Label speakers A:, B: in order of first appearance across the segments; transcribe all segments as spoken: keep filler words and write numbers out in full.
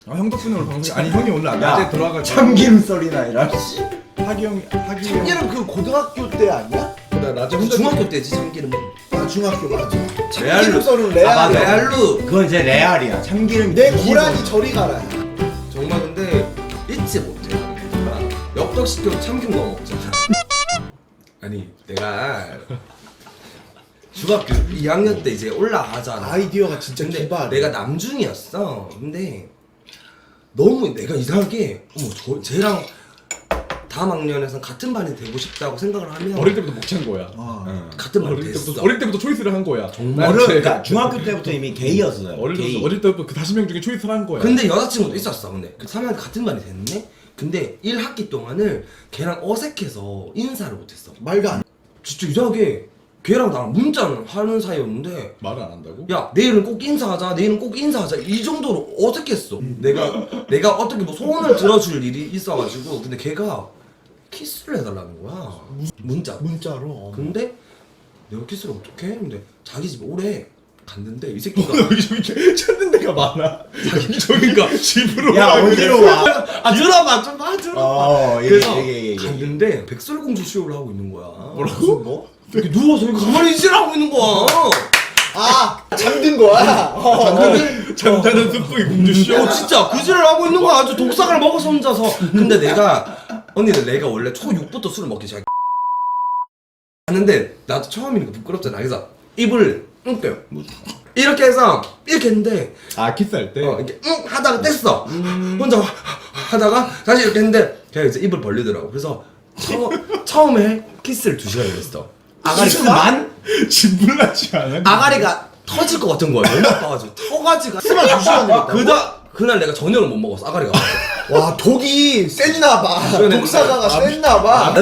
A: 아, 형 덕분에 오늘 방송 아니 형이 오늘 낮에 들어와가지고
B: 참기름 썰이나 이런 씨.
A: 하기 형이 하기 형
C: 참기름 그 고등학교 때 아니야?
A: 나 낮에 혼자
D: 중학교 때지 참기름은.
C: 아 중학교 맞아.
B: 레알로.
C: 참기름 썰은
D: 아
C: 레알.
D: 레알로.
B: 그건 이제 레알이야. 참기름.
C: 내 고라니 저리 가라.
D: 정말 근데 잊지 못해. 엽떡시켜 참기름 넣어 먹잖아. 아니 내가 중학교 이 학년 때 이제 올라가잖아.
C: 아이디어가 진짜
D: 근데
C: 기발.
D: 내가 남중이었어. 근데 너무 내가 이상하게 어머 저 쟤랑 다음 학년에선 같은 반이 되고 싶다고 생각을 하면
A: 어릴 때부터 못 찬 거야.
C: 아.
B: 응.
D: 같은 반이
A: 어릴
D: 됐어.
A: 때부터 어릴 때부터 초이스를 한 거야.
D: 정말
B: 어려,
A: 난
B: 그러니까 중학교 때부터 이미 게이였어요.
A: 어릴
B: 게이.
A: 때부터 어릴 때부터 그 다섯 명 중에 초이스를 한 거야.
D: 근데 여자친구도 있었어. 근데 그 삼 학년 같은 반이 됐네. 근데 일 학기 동안을 걔랑 어색해서 인사를 못했어.
C: 말도 안.
D: 진짜 이상하게 걔랑 나랑 문자는 하는 사이였는데
A: 말을 안 한다고?
D: 야 내일은 꼭 인사하자 내일은 꼭 인사하자 이 정도로 어색했어. 내가 내가 어떻게 뭐 소원을 들어줄 일이 있어가지고 근데 걔가 키스를 해달라는 거야. 문자.
C: 문자로.
D: 근데 내가 키스를 어떻게 해? 근데 자기 집에 오래 갔는데 이 새끼가
A: 여기저기 찾는 데가 많아. 여기저기가 집으로
B: 야
A: 와,
B: 어디로 와?
D: 아 들어봐 좀 봐 들어봐.
B: 어, 얘기,
D: 그래서
B: 얘기, 얘기.
D: 갔는데 백설공주 쇼를 하고 있는 거야.
A: 뭐라고?
C: 뭐?
D: 이렇게 누워서 이렇게 가만히 있으라 하고 있는 거야.
C: 아 잠든 거야. 어.
A: 잠자는 잠자는 숲속의 공주 쇼.
D: 어 진짜 그지를 하고 있는 거야. 아주 독삭을 먹어서 혼자서. 근데 내가 언니는 내가 원래 초육부터 술을 먹기 시작. 하는데 나도 처음이니까 부끄럽잖아. 그래서 입을 응 껴요. 이렇게 해서 이렇게 했는데
A: 아 키스할 때.
D: 어 이렇게 응 하다가 뗐어. 혼자 하다가 다시 이렇게 했는데 걔가 이제 입을 벌리더라고. 그래서 처, 처음에 키스를 두 시간을 했어.
B: 아가리만?
A: 진불나지 않아?
D: 아가리가 터질 것 같은 거야. 너무 아파가지고 터가지고
C: 스만 두 시간 되겠다.
D: 그다 그날 내가 저녁을 못 먹었어. 아가리가.
C: 와 독이 셌나 봐.
D: 그러네.
C: 독사가가
D: 아,
C: 셌나 봐.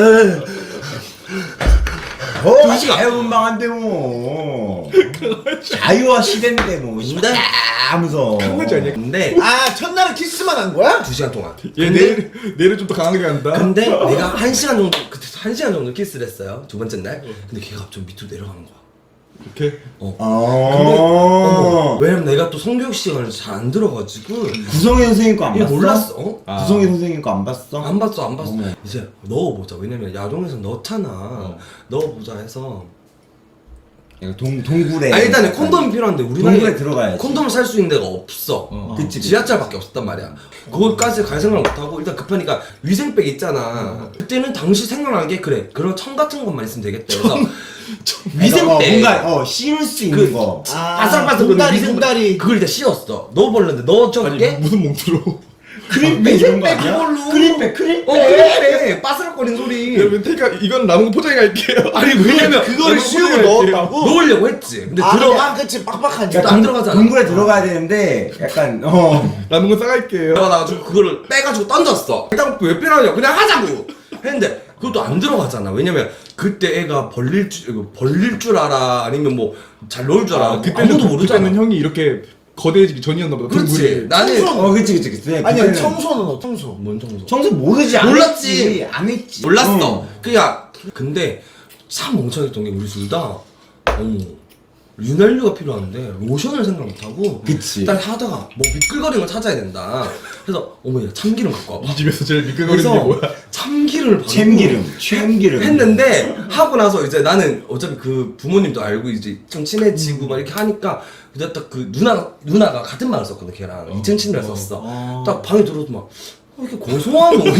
B: 어,
D: 두 시간.
B: 자유분방한데 뭐. 자유화 시대인데 뭐.
D: 근데
B: 하면서.
A: 강아지 아니야?
D: 근데
C: 아 첫날에 키스만 한 거야?
D: 두 시간 동안.
A: 얘
D: 근데,
A: 내일 내일은 좀 더 강하게 간다.
D: 근데 내가 한 시간 정도 그때 한 시간 정도 키스를 했어요. 두 번째 날. 근데 걔가 좀 밑으로 내려가는 거야.
A: 이렇게.
D: 어.
B: 어.
D: 왜냐면 내가 또 성교육 시간을 잘 안 들어가지고
B: 구성희 선생님 거 안
D: 얘
B: 봤어?
D: 몰랐어. 어?
A: 아.
B: 구성희 선생님 거 안 봤어?
D: 안 봤어 안 봤어.
B: 어머.
D: 이제 넣어보자. 왜냐면 야동에서 넣잖아. 넣어보자 해서.
B: 야, 동 동굴에.
D: 아 일단은 콘돔이 필요한데 우리
B: 동굴에
D: 나이에
B: 들어가야지.
D: 콘돔을 살 수 있는 데가 없어.
A: 어.
B: 그치, 그치.
D: 지하철밖에 없었단 말이야. 거기까지 갈 생각을 못하고 일단 급하니까 위생백 있잖아. 그때는 당시 생각난 게 그래 그런 청 같은 것만 있으면 되겠다. 그래서
B: 어,
D: 위생백
B: 뭔가 어 씌울 수 있는
D: 그-
B: 거.
C: 아
D: 바삭바삭
C: 공다리 공다리.
D: 그걸 일단 씌웠어. 넣어버렸는데 넣어줬게
A: 아니 무슨 몽투로?
B: 크림백 이런 거 아니야?
D: 그걸로.
B: 크림백 크림백.
D: 어 그래 바스락거리는 소리.
A: 여러분 테이크 이건 남은 거 포장해 갈게요.
D: 아니 왜냐면
C: 그거를
A: 너무
C: 씌우고
A: 포장할게요.
C: 넣었다고?
D: 넣으려고 했지. 근데
C: 아
D: 들어
C: 들어가 그치 빡빡하니까.
D: 안 들어가잖아.
B: 동굴에 들어가야 되는데 약간 어.
A: 남은 거 싸갈게요.
D: 들어가가지고 그거를 빼가지고 던졌어. 일단 왜 빼라냐 그냥 하자고 했는데 그것도 안 들어가잖아. 왜냐면 그때 애가 벌릴 줄 이거 벌릴 줄 알아 아니면 뭐 잘 넣을 줄 알아.
A: 아, 그때는
D: 아무도 모르잖아.
A: 그때는 형이 이렇게 거대해지기 전이었나 보다.
D: 그렇지.
A: 동굴이.
D: 나는
C: 청소.
B: 어 그치 그치 그치.
C: 아니
B: 그때는
C: 청소는 어 청소.
D: 뭔 청소?
B: 청소 모르지 안
D: 몰랐지.
B: 했지. 안 했지.
D: 몰랐어.
B: 어.
D: 그냥 근데 참 멍청했던 게 우리 둘 다 어머 윤활유가 필요한데 로션을 생각 못하고
B: 그치.
D: 일단 하다가 뭐 미끌거리는 걸 찾아야 된다. 그래서 어머 야 참기름 갖고 와봐.
A: 이 집에서 제일 미끌거리는 게
D: 그래서
A: 뭐야?
D: 참기름을 바르고
B: 참기름, 참기름.
D: 했는데 하고 나서 이제 나는 어차피 그 부모님도 알고 이제 좀 친해지고 막 이렇게 하니까 그때 딱 그 누나 누나가 같은 방을 썼거든 걔랑 이 층 침대를 썼어.
B: 어.
D: 딱 방에 들어도 막 어, 이렇게 고소한 거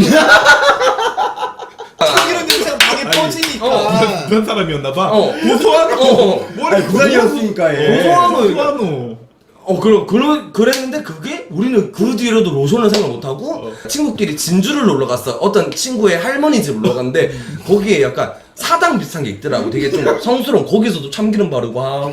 C: 참기름 냄새가 방에 퍼지니까.
D: 어,
A: 부산 사람이었나 봐.
D: 어.
A: 고소한
D: 어.
B: 아니 부산이었으니까 얘.
D: 고소한 거
A: 고소한
D: 어, 그럼, 그러, 그랬는데 그게 우리는 그 뒤로도 로션을 생각 못하고
A: 어.
D: 친구끼리 진주를 놀러 갔어. 어떤 친구의 할머니 집 놀러 갔는데 거기에 약간 사당 비슷한 게 있더라고. 되게 좀 성스러운 거기서도 참기름 바르고 하고.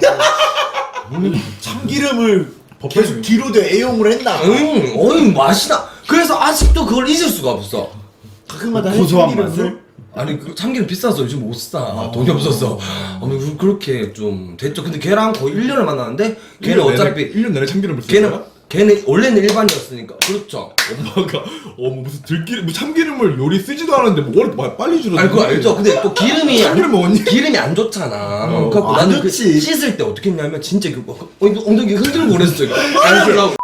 C: 참기름을
A: 법정이-
C: 계속 뒤로도 애용을 했나?
D: 응, 어이 맛이다. 그래서 아직도 그걸 잊을 수가 없어.
C: 가끔마다
B: 고소한
C: 참기름을?
B: 맛을?
D: 아니 그 참기름 비싸서 요즘 못 사. 돈이 없어서. 아니 그- 그렇게 좀 됐죠. 근데 걔랑 거의 일 년을 만났는데 걔는 어차피
A: 일 년 내내 참기름을 쓸
D: 걔는
A: 거야?
D: 걔는 원래는 일반이었으니까. 그렇죠.
A: 엄마가 어 뭐 무슨 들기름 뭐 참기름을 요리 쓰지도 않았는데 뭐 뭘 빨리 줄여.
D: 아니 그거 알죠? 근데 또 기름이 안,
A: 참기름 먹었니?
D: 기름이 안 좋잖아.
A: 어.
D: 그래갖고
B: 안
D: 나는 그
B: 좋지.
D: 씻을 때 어떻게 했냐면 진짜 그 어, 이거 엉덩이 흔들고 그랬어. 이거. 안 하려고.